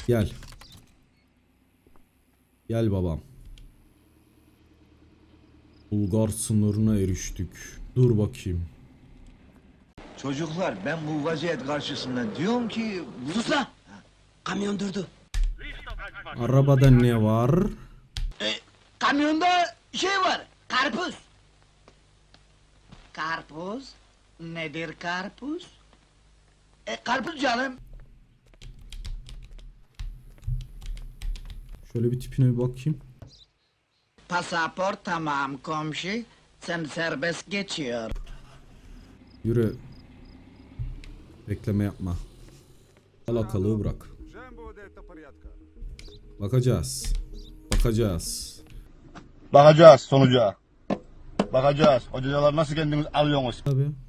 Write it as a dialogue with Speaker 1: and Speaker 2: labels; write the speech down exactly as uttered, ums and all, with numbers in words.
Speaker 1: Gel. Gel babam. Bulgar sınırına eriştik. Dur bakayım.
Speaker 2: Çocuklar ben bu vaziyet karşısında diyorum ki...
Speaker 3: Sus lan! Kamyon durdu.
Speaker 1: Arabada ne var?
Speaker 3: E, kamyonda şey var, karpuz. Karpuz? Nedir karpuz? E, karpuz canım.
Speaker 1: Şöyle bir tipine bir bakayım.
Speaker 3: Pasaport tamam komşu. Sen serbest geçiyor.
Speaker 1: Yürü. Bekleme yapma. Alakalığı bırak. Bakacağız. Bakacağız.
Speaker 4: Bakacağız sonuca. Bakacağız. Hocalar nasıl kendiniz alıyorsunuz?
Speaker 1: Tabii.